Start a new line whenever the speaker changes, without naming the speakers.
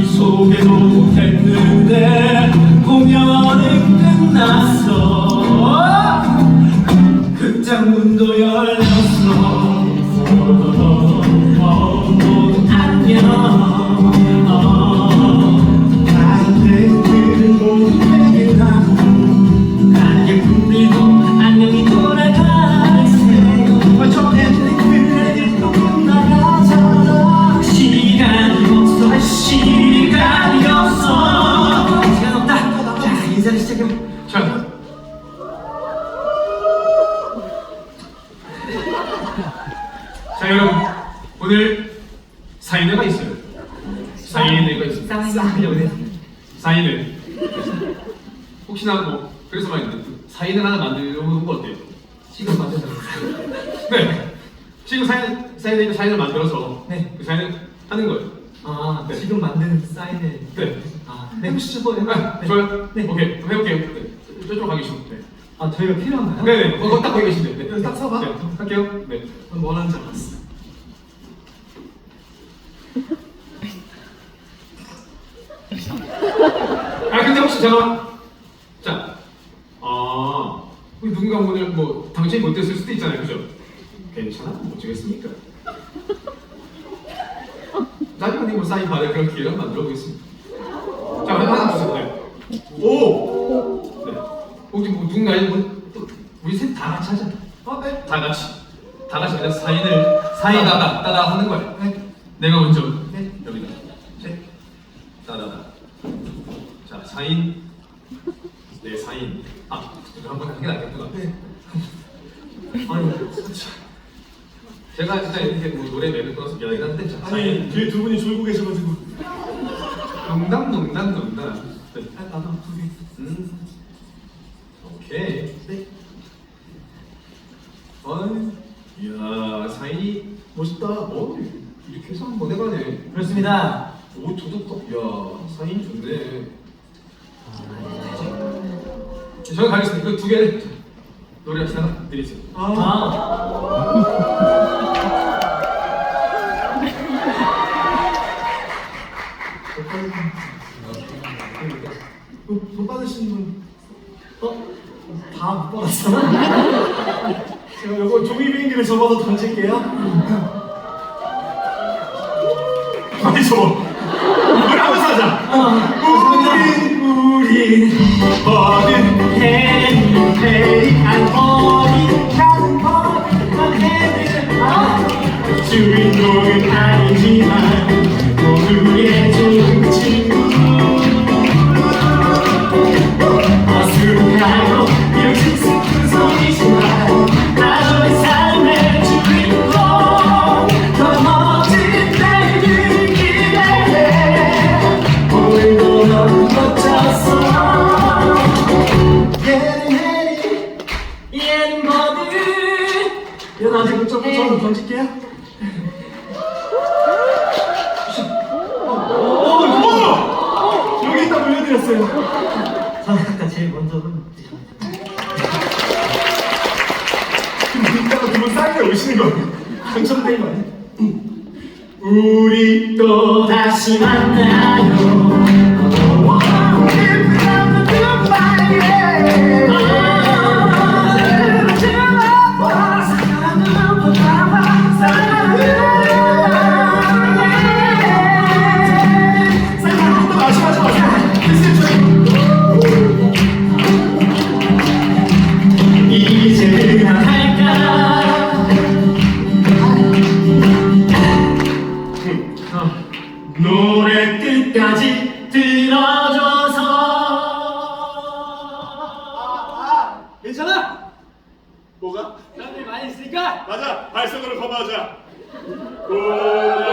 소개도 못했는데 공연은 끝났어. 극장 문도 열렸어. 모두 안녕. 관객들은 모두 퇴근하고 관객분들도 안녕히 돌아가세요. 저희는 그래도 끝나가잖아. 시간이 없어. 시간 없다. 자, 인사를 시작해. 자, 여러분, 오늘 사인회가 있어요. 사인회가 있습니다. 사인회. 혹시나 뭐 그래서 말인데 사인회 하나 만들어 보는 거 어때요? 지금 만들자. 네. 지금 사인을 만들어서
네.
그 사인을 하는 거예요.
아,
네.
지금 만든 사인을.
네.
아, 네, 혹시 뭐
네. 좋아요.
네.
오케이. 해볼게요. 네. 저쪽으로 가 계시면. 네.
아, 저희가 필요한가요?
네네. 딱 거기 계신데. 네.
여기 딱 서봐.
네. 할게요. 네.
뭐 하는지 알았어.
근데 혹시 제가 우리 누군가 오늘 뭐 당신이 못 됐을 수도 있잖아요, 그죠? 괜찮아, 못 주겠습니까? 나중에 뭐 사인 받을 그런 기회를 만들어 보겠습니다. 자, 하나 주세요. 네. 오. 네. 혹시 뭐 누군가 우리 셋 다 같이 하자.
네.
다 같이 그냥 사인 따다 하는 거야.
네.
내가 먼저.
네.
여기다.
네.
따다다. 자, 사인. 네, 사인. 이거 한번 하는 게 낫겠구나.
네.
아니, 제가 진짜 이렇게 뭐 노래 매를 끊어서 미안하긴 한데, 자, 사인.
뒤에 두 분이 졸고 계셔가지고.
농담. 네.
아, 나도 두 개.
오케이.
네.
이야, 사인이 멋있다. 이렇게 해서 한번 해가네.
그렇습니다.
오, 도둑도. 이야, 사인 좋네. 저는 가겠습니다. 그 두 개를 노래 하나 드리세요.
못 받으신 분? 다 못 받았어? 제가 요거 종이 비행기를 접어서 던질게요.
아니, 저거. 이걸 하면서 하자. 우린 어린 해리한 어린 가는 거룩한 해들. 주인공은 아니지만 모두의 좋은 친구. 어수룩하고 이렇게 슬픈 소리지만 나의 삶의 주인공. 더 멋진 내일을 기대해. 오늘도 넌 멋졌어. 얘는 뭐든
얘는 아직 조금 던질게요. 여기 있다 물려드렸어요. 저는 아까 제일 먼저는
이따가 두분 사인회 오시는 거
당첨된 거 아니야?
우리 또
다시 만나요.
이제 그만할까? 노래 끝까지 들어줘서.
괜찮아? 뭐가?
사람들이 많이 있으니까
맞아! 발성으로 커버하자!